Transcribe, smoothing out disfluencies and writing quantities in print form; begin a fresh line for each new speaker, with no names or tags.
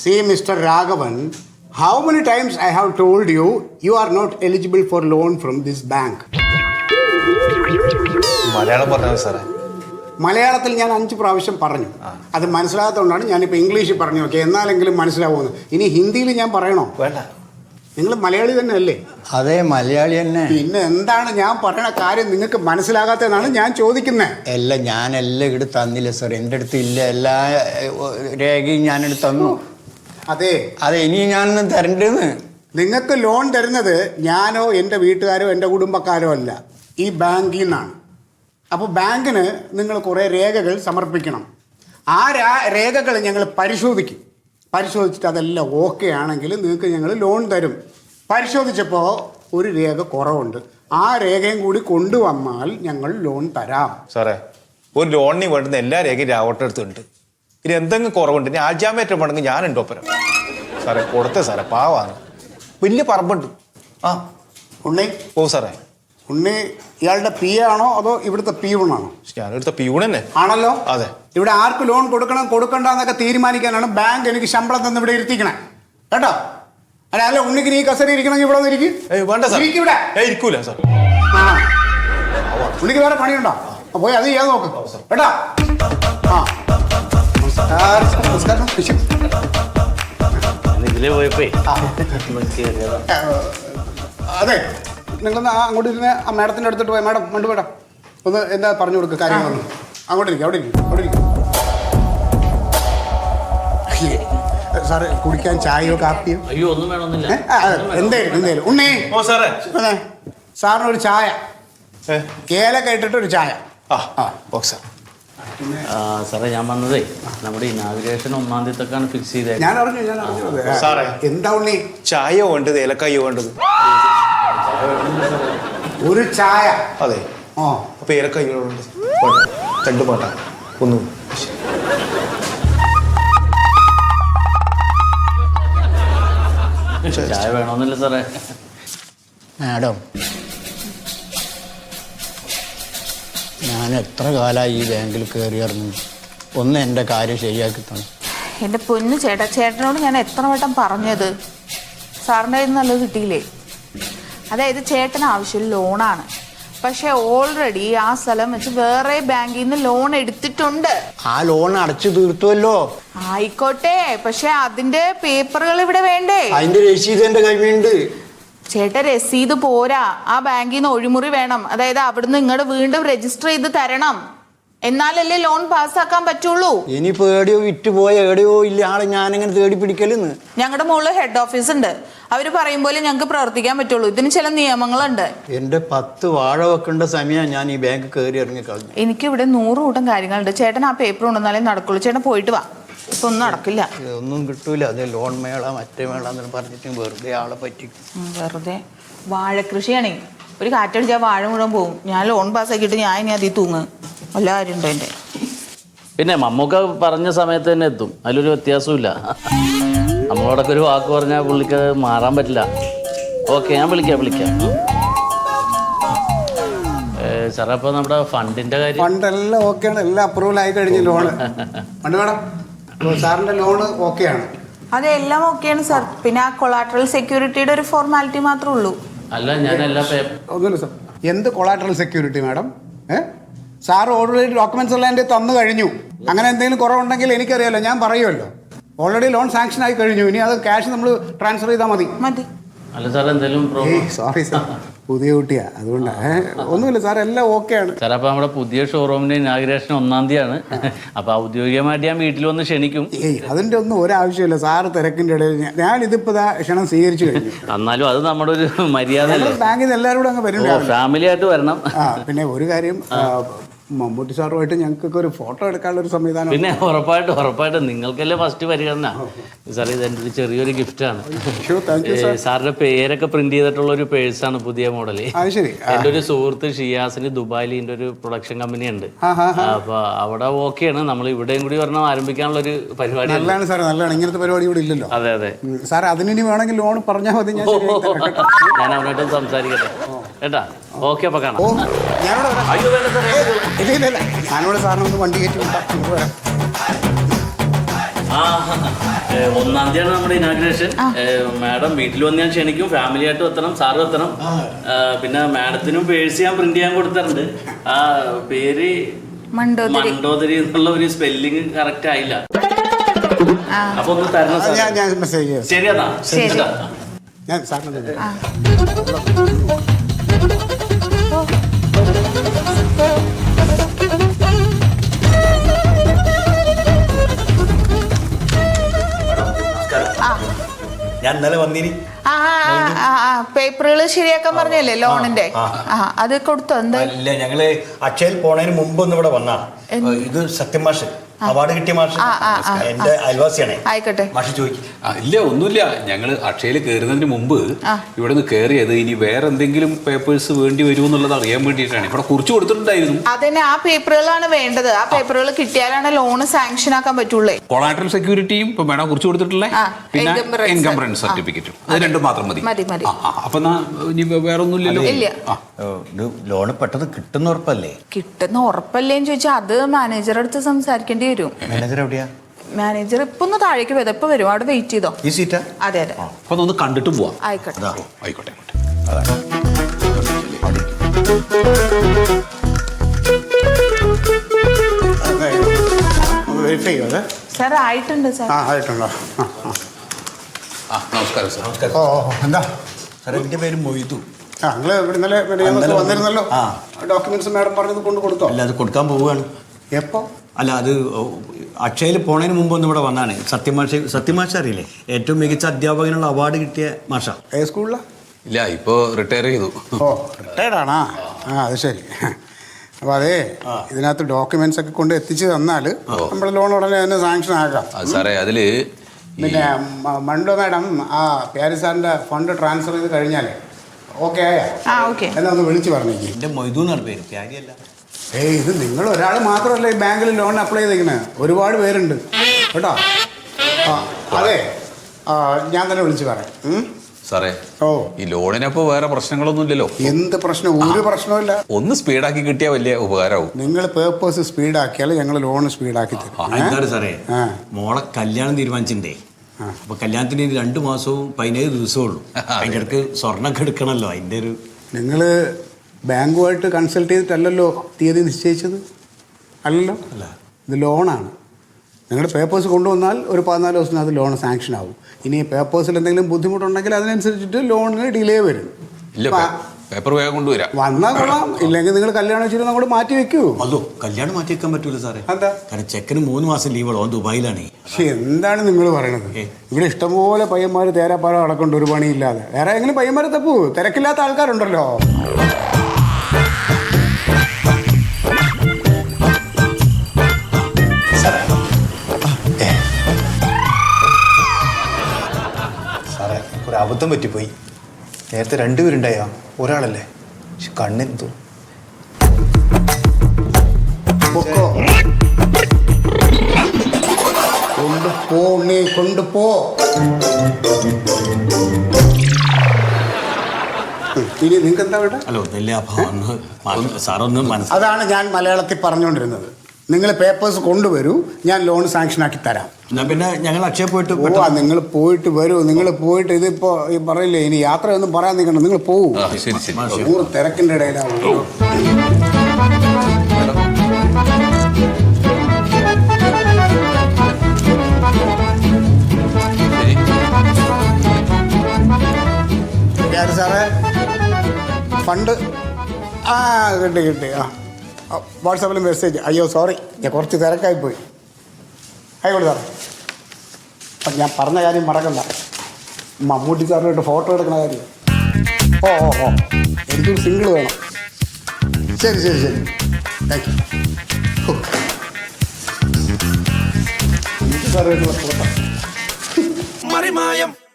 See, Mr. Raghavan, how many times I have told you, you are not eligible for loan from this bank.
Malayalam പറഞ്ഞു സാറേ.
മലയാളത്തിൽ ഞാൻ 5 പ്രാവശ്യം പറഞ്ഞു. അത് മനസ്സിലാകാത്തതുകൊണ്ടാണ് ഞാനിപ്പോൾ ഇംഗ്ലീഷിൽ പറഞ്ഞു നോക്കി, എന്നാലെങ്കിലും മനസ്സിലാവുമെന്ന്. ഇനി ഹിന്ദിയിൽ ഞാൻ പറയണോ?
വേണ്ട.
നിങ്ങൾ മലയാളി തന്നെ അല്ലേ?
അതെ, മലയാളി തന്നെ.
പിന്നെ എന്താണ് ഞാൻ പറയണ കാര്യം നിങ്ങൾക്ക് മനസ്സിലാകാത്തതെന്നാണ് ഞാൻ ചോദിക്കുന്നത്.
എല്ലാം ഞാനെല്ലാം ഇവിടെ തന്നില്ല സാർ, എൻ്റെ അടുത്ത് ഇല്ല. എല്ലാ രേഖയും ഞാനെടുത്ത് തന്നു.
അതെ
അതെ, ഇനി ഞാനൊന്നും തരണ്ടെന്ന്.
നിങ്ങൾക്ക് ലോൺ തരുന്നത് ഞാനോ എൻ്റെ വീട്ടുകാരോ എൻ്റെ കുടുംബക്കാരോ അല്ല, ഈ ബാങ്കിൽ നിന്നാണ്. അപ്പോൾ ബാങ്കിന് നിങ്ങൾ കുറേ രേഖകൾ സമർപ്പിക്കണം. ആ രേഖകൾ ഞങ്ങൾ പരിശോധിക്കും. പരിശോധിച്ചിട്ട് അതെല്ലാം ഓക്കെ ആണെങ്കിൽ നിങ്ങൾക്ക് ഞങ്ങൾ ലോൺ തരും. പരിശോധിച്ചപ്പോൾ ഒരു രേഖ കുറവുണ്ട്, ആ രേഖയും കൂടി കൊണ്ടുവന്നാൽ ഞങ്ങൾ ലോൺ തരാം.
സാറേ, ഒരു ലോണിന് വേണ്ടുന്ന എല്ലാ രേഖയും രാവട്ടെ അടുത്തുണ്ട്. ഇനി എന്തെങ്കിലും കുറവുണ്ട്, ഇനി ആൾജാമേറ്റം വേണമെങ്കിൽ ഞാനുണ്ടോ ഒപ്പരം. സാറേ കൊടുത്തേ സാറേ, പാവാണ്. വലിയ പറമ്പുണ്ട്. ആ
ഉണ്ണി.
ഓ സാറേ.
ഉണ്ണി ഇയാളുടെ പി ആണോ അതോ ഇവിടുത്തെ പിയൂണാണോ?
ഞാനെടുത്ത പിയൂൺ തന്നെ
ആണല്ലോ.
അതെ.
ഇവിടെ ആർക്ക് ലോൺ കൊടുക്കണം കൊടുക്കണ്ടെന്നൊക്കെ തീരുമാനിക്കാനാണ് ബാങ്ക് എനിക്ക് ശമ്പളം തന്ന് ഇവിടെ ഇരുത്തിക്കണേ, കേട്ടോ? അല്ല ഉണ്ണിക്ക് നീ കസേര ഇരിക്കണമെങ്കിൽ ഇവിടെ ഒന്ന് ഇരിക്കും.
വേണ്ട സാർ,
ഇവിടെ
ഇരിക്കൂല സാർ.
ആ, ഉണ്ണിക്ക് വേറെ പണിയുണ്ടോ? പോയി അത് ചെയ്യാൻ നോക്ക്, കേട്ടോ? ആ, നമസ്കാരം.
ഇതിലേ പോയപ്പോ
അതെ, നിങ്ങളൊന്ന് അങ്ങോട്ട് ഇരുന്ന് ആ മാഡത്തിൻ്റെ അടുത്തിട്ട് പോയി. മാഡം മണ്ടു മേഡം ഒന്ന് എന്താ പറഞ്ഞു കൊടുക്കുക കാര്യങ്ങളൊന്നും. അങ്ങോട്ട് ഇരിക്കും, അവിടെ ഇരിക്കും, അവിടെ ഇരിക്കും. സാറ് കുടിക്കാൻ ചായയോ കാപ്പിയോ?
അയ്യോ ഒന്നും വേണമെന്നില്ല.
എന്തായാലും ഉണ്ണി.
ഓ സാറേ.
സാറിനൊരു ചായ, ഏലൊക്കെ ഇട്ടിട്ട് ഒരു ചായ.
സാറേ, ഞാൻ വന്നതേ നമ്മുടെ ഇനാഗുറേഷൻ 1-ാം തീയതിക്കാണ് ഫിക്സ് ചെയ്തത്.
ഞാൻ അറിഞ്ഞു.
സാറേ,
എന്താ ഉണ്ണി?
ചായ വേണ്ടത് ഏലക്കായോ വേണ്ടത്?
ഒരു ചായ.
അതെ.
ആ,
അപ്പൊ ഏലക്കായോ വേണ്ടത്? രണ്ട് പാട്ട ഒന്ന്.
ചായ വേണമെന്നില്ല സാറേ.
മാഡം, ഞാൻ എത്ര കാലമായി ഈ ബാങ്കിൽ കയറി ഇറങ്ങി. ഒന്ന് എൻ്റെ കാര്യം ശരിയാക്കി തന്നെ.
എൻ്റെ പൊന്നു ചേട്ടാ, ചേട്ടനോട് ഞാൻ എത്ര വട്ടം പറഞ്ഞത്, സാറിൻ്റെ കയ്യിൽ നിന്ന് നല്ലത് കിട്ടിയില്ലേ? അതായത് ചേട്ടന് ആവശ്യം ലോണാണ്, പക്ഷെ ഓൾറെഡി ആ സ്ഥലം വെച്ച് വേറെ ബാങ്കിൽ നിന്ന് ലോൺ എടുത്തിട്ടുണ്ട്.
ആ ലോൺ അടച്ചു തീർത്തുവല്ലോ.
ആയിക്കോട്ടെ, പക്ഷെ അതിന്റെ പേപ്പറുകൾ ഇവിടെ വേണ്ടേ?
അതിന്റെ രസീത് എൻ്റെ കയ്യിലുണ്ട്.
ചേട്ടാ, രസീത് പോരാ, ആ ബാങ്കിൽ നിന്ന് ഒഴിമുറി വേണം. അതായത് അവിടുന്ന് ഇങ്ങോട്ട് വീണ്ടും രജിസ്റ്റർ ചെയ്ത് തരണം, എന്നാലല്ലേ ലോൺ പാസ്സാക്കാൻ പറ്റുള്ളൂ.
ഇനിയിപ്പോ എവിടെയോ വിറ്റുപോയ എവിടെയോ ഇല്ല ആളെ ഞാനെങ്ങനെ തേടി പിടിക്കലെന്ന്.
ഞങ്ങളുടെ മുകളിൽ ഹെഡ് ഓഫീസ് ഉണ്ട്, അവര് പറയും പോലെ ഞങ്ങൾക്ക് പ്രവർത്തിക്കാൻ പറ്റുള്ളൂ. ഇതിന് ചില നിയമങ്ങളുണ്ട്.
എൻ്റെ 10 വാഴ വെക്കേണ്ട സമയം ഞാൻ ഈ ബാങ്ക് കയറി ഇറങ്ങി കളഞ്ഞു.
എനിക്കിവിടെ 100 കൂട്ടം കാര്യങ്ങളുണ്ട്. ചേട്ടൻ ആ പേപ്പർ കൊണ്ടുവന്നാലേ നടക്കുള്ളൂ. ചേട്ടൻ പോയിട്ട് വാ, ഇപ്പൊ ഒന്നും നടക്കില്ല.
ഒന്നും കിട്ടൂല. അത് ലോൺ മേള മറ്റേ മേള എന്ന് പറഞ്ഞിട്ട് വെറുതെ ആളെ പറ്റിക്കും.
വെറുതെ വാഴക്കൃഷിയാണേ, ഒരു കാറ്റടിച്ചാൽ വാഴ മുഴുവൻ പോകും. ഞാൻ ലോൺ പാസ്സാക്കിയിട്ട് ഞാൻ ഇനി അതിൽ തൂങ്ങ് എല്ലാ കാര്യം ഉണ്ടോ എൻ്റെ.
പിന്നെ മമ്മൂക്ക പറഞ്ഞ സമയത്ത് തന്നെ എത്തും, അതിലൊരു വ്യത്യാസമില്ല. നമ്മളോടൊക്കെ ഒരു വാക്ക് പറഞ്ഞാൽ പുള്ളിക്ക് മാറാൻ പറ്റില്ല. ഓക്കെ, ഞാൻ വിളിക്കാം. സാറേ, അപ്പോൾ നമ്മുടെ ഫണ്ടിന്റെ കാര്യം?
ഫണ്ടെല്ലാം ഓക്കെയാണ്, എല്ലാം അപ്രൂവൽ ആയി കഴിഞ്ഞു. ലോണ് ഫണ്ട് വേണം. സാറിന്റെ ലോണ് ഓക്കെയാണ്.
അതെല്ലാം ഓക്കെയാണ് സാർ. പിന്നെ ആ കൊളാട്രൽ സെക്യൂരിറ്റിയുടെ ഒരു ഫോർമാലിറ്റി മാത്രമേ ഉള്ളൂ.
അല്ല, ഞാൻ എല്ലാ
ഒന്നുമില്ല സാർ. എന്ത് collateral security madam? Sir already documents എല്ലാം എൻ്റെ തന്നു കഴിഞ്ഞു. അങ്ങനെ എന്തെങ്കിലും കുറവുണ്ടെങ്കിൽ എനിക്കറിയാമല്ലോ, ഞാൻ പറയുമല്ലോ. ഓൾറെഡി ലോൺ സാങ്ഷൻ ആയി കഴിഞ്ഞു. ഇനി അത് ക്യാഷ് നമ്മൾ ട്രാൻസ്ഫർ ചെയ്താൽ മതി.
അല്ല സാർ, എന്തെങ്കിലും
സോറി സാർ, പുതിയ കുട്ടിയാ, അതുകൊണ്ട് ഒന്നുമില്ല സാർ, എല്ലാം ഓക്കെയാണ്
സാർ. അപ്പോൾ നമ്മുടെ പുതിയ ഷോറൂമിന്റെ ഇനാഗുറേഷൻ 1-ാം തീയതിയാണ്. അപ്പോൾ ഔദ്യോഗികമായിട്ട് ഞാൻ വീട്ടിൽ വന്ന് ക്ഷണിക്കും.
അതിൻ്റെ ഒന്നും ഒരാവശ്യമില്ല സാറ് തിരക്കിൻ്റെ ഇടയിൽ. ഞാൻ ഇതിപ്പോൾ ക്ഷണം സ്വീകരിച്ചു കഴിഞ്ഞു.
എന്നാലും അത് നമ്മുടെ ഒരു മര്യാദ അല്ലേ?
ബാങ്കിൽ നിന്ന് എല്ലാവരും കൂടെ അങ്ങ് വരും,
ഫാമിലി ആയിട്ട് വരണം.
പിന്നെ ഒരു കാര്യം, മമ്മൂട്ടി സാറുമായിട്ട് ഞങ്ങൾക്കൊക്കെ ഒരു ഫോട്ടോ എടുക്കാനുള്ള ഒരു സംവിധാനം.
പിന്നെ ഉറപ്പായിട്ടും നിങ്ങൾക്കല്ലേ ഫസ്റ്റ് പരിഗണന. സാർ, ഇത് എൻ്റെ ഒരു ചെറിയൊരു ഗിഫ്റ്റാണ്. സാറിന്റെ പേരൊക്കെ പ്രിന്റ് ചെയ്തിട്ടുള്ള ഒരു പേഴ്സാണ്, പുതിയ മോഡല്. എൻ്റെ ഒരു സുഹൃത്ത് ഷിയാസിന് ദുബായിൽ ഇതിൻ്റെ ഒരു പ്രൊഡക്ഷൻ കമ്പനി ഉണ്ട്. അപ്പൊ അവിടെ ഓക്കെയാണ്, നമ്മൾ ഇവിടെയും കൂടി ഒരെണ്ണം ആരംഭിക്കാനുള്ള ഒരു പരിപാടി.
നല്ലതാണ് സാർ, നല്ലതാണ്. ഇങ്ങനത്തെ പരിപാടി ഇവിടെ ഇല്ലല്ലോ.
അതെ
സാർ, അതിനി വേണമെങ്കിൽ ലോൺ പറഞ്ഞാൽ മതി, ഞാൻ
അവനായിട്ടും സംസാരിക്കട്ടെ കേട്ടാ. ഓക്കെ, അപ്പൊ കാണാം.
ഞാനിവിടെ സാറിനൊന്ന് വണ്ടി കയറ്റി വിട്ടാ.
1-ാം തീയതിയാണ് നമ്മുടെ ഇനാഗ്രേഷൻ. മാഡം വീട്ടിൽ വന്ന് ഞാൻ ക്ഷണിക്കും. ഫാമിലി ആയിട്ട് എത്തണം, സാറും എത്തണം. പിന്നെ മാഡത്തിനും പേഴ്സ് ഞാൻ പ്രിന്റ് ചെയ്യാൻ കൊടുത്തിട്ടുണ്ട്. ആ പേര് മണ്ടോദരി എന്നുള്ള ഒരു സ്പെല്ലിങ് കറക്റ്റ് ആയില്ല. അപ്പൊ ഒന്ന് തരണം സാർ.
ഞാൻ മെസ്സേജ് ചെയ്യാം.
ശരി എന്നാ.
ഞാൻ സാറിന്
ഞാൻ ഇന്നലെ വന്നിനി.
പേപ്പറുകൾ ശരിയാക്കാൻ പറഞ്ഞല്ലേ ലോണിന്റെ? അത് കൊടുത്തോ? എന്താ?
ഇല്ല, ഞങ്ങള് അക്ഷയയിൽ പോണതിന് മുമ്പ് ഒന്ന് ഇവിടെ വന്നാ. ഇത് സത്യമാഷ് അവാർഡ് കിട്ടിയ മാഷ് എന്റെ അയൽവാസിയാണേ.
ആയിക്കോട്ടെ,
മാഷ് ചോദിക്കും.
ഇല്ല, ഒന്നുമില്ല. ഞങ്ങൾ അക്ഷയയിൽ കയറുന്നതിന് മുമ്പ് ഇവിടെ നിന്ന് കയറിയത് ഇനി വേറെ എന്തെങ്കിലും പേപ്പേഴ്സ് വേണ്ടി വരുമെന്നുള്ളത് അറിയാൻ വേണ്ടിയിട്ടാണ്. ഇവിടെ കുറിച്ച് കൊടുത്തിട്ടുണ്ടായിരുന്നു.
അതിന് ആ പേപ്പറുകളാണ് വേണ്ടത്. ആ പേപ്പറുകൾ കിട്ടിയാലാണ് ലോൺ സാങ്ഷൻ ആക്കാൻ പറ്റുള്ളൂ.
കൊളാട്രൽ സെക്യൂരിറ്റിയും ഇപ്പൊ മേഡം കുറിച്ച് കൊടുത്തിട്ടുള്ളേ, പിന്നെ എൻകംബ്രൻസ് സർട്ടിഫിക്കറ്റും, അത് രണ്ടും മാത്രം മതി. അപ്പൊ ഇനി വേറെ ഒന്നുമില്ലല്ലോ.
ഇത് ലോണ് പെട്ടെന്ന് കിട്ടുന്ന ഉറപ്പല്ലേ?
കിട്ടുന്ന ഉറപ്പല്ലേന്ന് ചോദിച്ചാൽ അത് മാനേജറെ അടുത്ത് സംസാരിക്കേണ്ടി വരും.
മാനേജർ എവിടെയാ?
മാനേജർ ഇപ്പൊ ഒന്ന് താഴേക്ക് വരും. ഇപ്പൊ വരും, അവിടെ വെയിറ്റ് ചെയ്തോ.
ഈ സീറ്റാ?
അതെ അതെ.
അപ്പൊ ഒന്ന് കണ്ടിട്ട് പോവാം.
ആയിക്കോട്ടെ.
ആയിക്കോട്ടെ.
വെരിഫൈ ചെയ്യോ അത്?
സാർ ആയിട്ടുണ്ട് സാർ.
ആയിട്ടുണ്ടോ?
നമസ്കാരം സാർ.
നമസ്കാരം.
ഓ എന്താ
സാറേ, എന്റെ പേര് മൊയ്തു.
നിങ്ങൾ ഇവിടെ ഇന്നലെ വന്നിരുന്നല്ലോ. ഡോക്യുമെന്റ്സ് മാഡം പറഞ്ഞത് കൊണ്ട് കൊടുത്തോ?
അല്ല, അത് കൊടുക്കാൻ പോവുകയാണ്.
എപ്പോ?
അല്ല, അത് അക്ഷയയിൽ പോണതിന് മുമ്പ് ഒന്ന് ഇവിടെ വന്നാണ്. സത്യമാഷ അറിയില്ലേ? ഏറ്റവും മികച്ച അധ്യാപകനുള്ള അവാർഡ് കിട്ടിയ മാഷ.
ഏത് സ്കൂളിലാ?
ഇല്ല, ഇപ്പൊ റിട്ടയർ ചെയ്തു.
ഓ, റിട്ടയർഡാണാ? അത് ശരി. അപ്പോൾ അതേ, ഇതിനകത്ത് ഡോക്യുമെന്റ്സ് ഒക്കെ കൊണ്ട് എത്തിച്ച് തന്നാൽ നമ്മൾ ലോൺ ഉടനെ തന്നെ സാങ്ഷൻ ആക്കാം.
സാറേ, അതില്
പിന്നെ മണ്ടോ മാഡം ആ പ്യാരി സാറിന്റെ ഫണ്ട് ട്രാൻസ്ഫർ ചെയ്ത് കഴിഞ്ഞാൽ ഓക്കെ ആയാ? എന്നാ ഒന്ന് വിളിച്ച് പറഞ്ഞേക്ക്.
എന്റെ മൊയ്തു എന്നാണ് പേര്, പ്യാരിയല്ല.
ഏയ്, ഇത് നിങ്ങൾ ഒരാൾ മാത്രമല്ല ഈ ബാങ്കിൽ ലോൺ അപ്ലൈ ചെയ്തേക്കണേ. ഒരുപാട് പേരുണ്ട് കേട്ടോ. അതെ, ഞാൻ തന്നെ വിളിച്ച് പറയാം.
സാറേ,
ഓ,
ഈ ലോണിനപ്പോ വേറെ പ്രശ്നങ്ങളൊന്നും ഇല്ലല്ലോ?
എന്ത് പ്രശ്നം? ഒരു പ്രശ്നമില്ല.
ഒന്ന് സ്പീഡാക്കി കിട്ടിയാൽ വലിയ ഉപകാരമാവും.
നിങ്ങൾ പേപ്പേഴ്സ് സ്പീഡാക്കിയാൽ ഞങ്ങൾ ലോൺ സ്പീഡാക്കി തരും.
എന്താണ് സാറേ, മോളെ കല്യാണം തീരുമാനിച്ചിട്ടേ. അപ്പൊ കല്യാണത്തിന് 2 മാസവും 17 ദിവസമേ ഉള്ളൂ. അതിൻ്റെ ഇടയ്ക്ക് സ്വർണ്ണമൊക്കെ എടുക്കണമല്ലോ. അതിൻ്റെ ഒരു
നിങ്ങൾ ബാങ്കുമായിട്ട് കൺസൾട്ട് ചെയ്തിട്ടല്ലല്ലോ തീയതി നിശ്ചയിച്ചത്? അല്ലല്ലോ. അല്ല, ഇത് ലോണാണ്. നിങ്ങളുടെ പേപ്പേഴ്സ് കൊണ്ടുവന്നാൽ ഒരു 14 ദിവസത്തിനകത്ത് ലോൺ സാങ്ഷൻ ആവും. ഇനി പേപ്പേഴ്സിൽ എന്തെങ്കിലും ബുദ്ധിമുട്ടുണ്ടെങ്കിൽ അതിനനുസരിച്ചിട്ട് ലോണിന് ഡിലേ വരും.
ഇല്ല, പേപ്പർ വേഗം കൊണ്ടുവരാം.
വന്നാൽ കൊള്ളാം. ഇല്ലെങ്കിൽ നിങ്ങൾ കല്യാണം വെച്ചിട്ട് അങ്ങോട്ട് മാറ്റി വെക്കൂ.
അതോ, കല്യാണം മാറ്റി വെക്കാൻ പറ്റൂല സാറേ.
എന്താ?
കാരണം ചെക്കന് 3 മാസം ലീവുള്ളൂ. അവൻ ദുബായിലാണ്.
പക്ഷെ എന്താണ് നിങ്ങൾ പറയണത്? ഇവിടെ ഇഷ്ടംപോലെ പയ്യന്മാർ തേരാപ്പാറ അടക്കൊണ്ട് ഒരു പണിയില്ലാതെ. വേറെ എങ്ങനെ പയ്യന്മാരെ തപ്പൂ? തിരക്കില്ലാത്ത ആൾക്കാരുണ്ടല്ലോ.
ഒരു അബദ്ധം പറ്റിപ്പോയി. നേരത്തെ 2 പേരുണ്ടായോ? ഒരാളല്ലേ? പക്ഷെ കണ്ണെന്തോ.
കൊണ്ടുപോ, നീ കൊണ്ടുപോ. ഇനി നിങ്ങൾക്ക് എന്താ വേണ്ട?
അല്ല, ഒന്നില്ല. അപ്പൊ സാറൊന്ന്
അതാണ് ഞാൻ മലയാളത്തിൽ പറഞ്ഞുകൊണ്ടിരുന്നത്. നിങ്ങൾ പേപ്പേഴ്സ് കൊണ്ടുവരൂ, ഞാൻ ലോൺ സാങ്ഷൻ ആക്കി തരാം.
എന്നാ പിന്നെ ഞങ്ങൾ അക്ഷയ പോയിട്ട്
നിങ്ങൾ പോയിട്ട് വരൂ. നിങ്ങൾ പോയിട്ട് ഇതിപ്പോ ഈ പറയില്ലേ, ഇനി യാത്രയൊന്നും പറയാൻ നിൽക്കണ്ട. നിങ്ങൾ പോവൂ.
ശരി ശരി.
100 തിരക്കിന്റെ ഇടയിലാവും. സാറേ, ഫണ്ട് കിട്ടി. വാട്സാപ്പിൽ മെസ്സേജ്. അയ്യോ സോറി, ഞാൻ കുറച്ച് തിരക്കായിപ്പോയി. ആയിക്കോട്ടെ സാറേ. അപ്പം ഞാൻ പറഞ്ഞ കാര്യം മറക്കണ്ട. മമ്മൂട്ടി സാറിനായിട്ട് ഫോട്ടോ എടുക്കുന്ന കാര്യം. ഓ, എനിക്കൊരു സിംഗിൾ വേണം. ശരി ശരി ശരി, താങ്ക് യു. മമ്മൂട്ടി സാറുമായിട്ടുള്ള ഫോട്ടോ.